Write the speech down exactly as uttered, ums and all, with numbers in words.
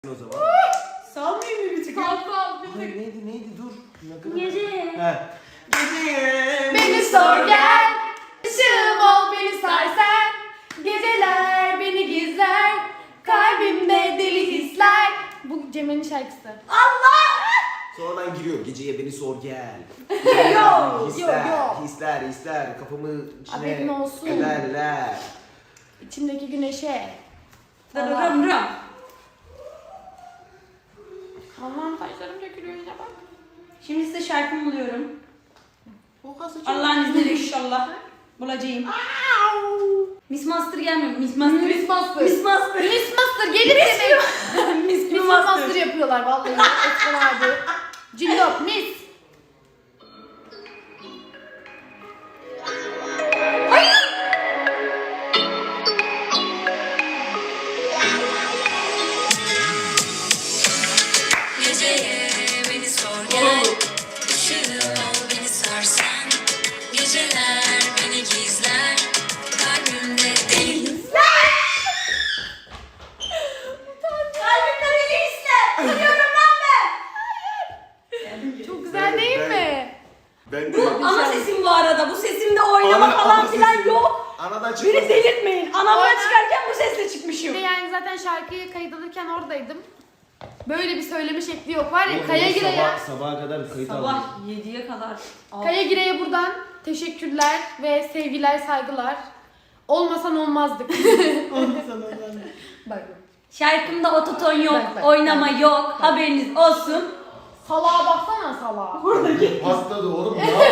O zaman. Salmayayım mı bir tık? Sal sal bir Hayır tık. neydi neydi dur. Ne kadar- Gece. He. Gece. Beni sor gel, ışığım ol beni sar sen. Geceler beni gizler, kalbimde deli hisler. Bu Cemre'nin şarkısı. Sonradan giriyor. Geceye beni sor gel. Yo, hisler, yo, yo. hisler, hisler. Kafamı Haberin içine olsun. ederler. İçimdeki güneşe. Dırırım rım. Allah'ım saçlarım dökülüyor yine bak. Şimdi size şarkımı buluyorum. Oha saçım. Allah'ın izniyle inşallah bulacağım. Miss Master gelmiyor. Miss Master. Miss Master. Miss Master. Miss Master gelir demek. Miss Miss Master. Master yapıyorlar vallahi. Eskiden abi. Cillop Miss. Geceye beni sor gel, ışığım ol beni sarsan. Geceler beni gizler, kalbimde deli. Kalbimde deli hisler. Arıyorum lan ben. Çok güzel değil Ben- mi? Ben Bu ana sesim bu arada. Bu sesimde oynama Ana- falan ana filan sesim. yok. Anadan Beni çıkmasın. delirtmeyin. Anamdan Aynen. çıkarken bu sesle Bir çıkmışım. de yani zaten şarkıyı kayıt alırken oradaydım. Böyle bir söyleme şekli yok var ya. Oğlum, Kaya sabah- Gire'ye Sabaha kadar kayıt aldım. Sabah yediye kadar. Al. Kaya Gire'ye buradan teşekkürler ve sevgiler, saygılar. Olmasan olmazdık. Bak. Şarkımda ototon yok, Bak, bak, oynama bak. yok. Haberiniz olsun. Salağa baksana salağa. Patladı oğlum. Ne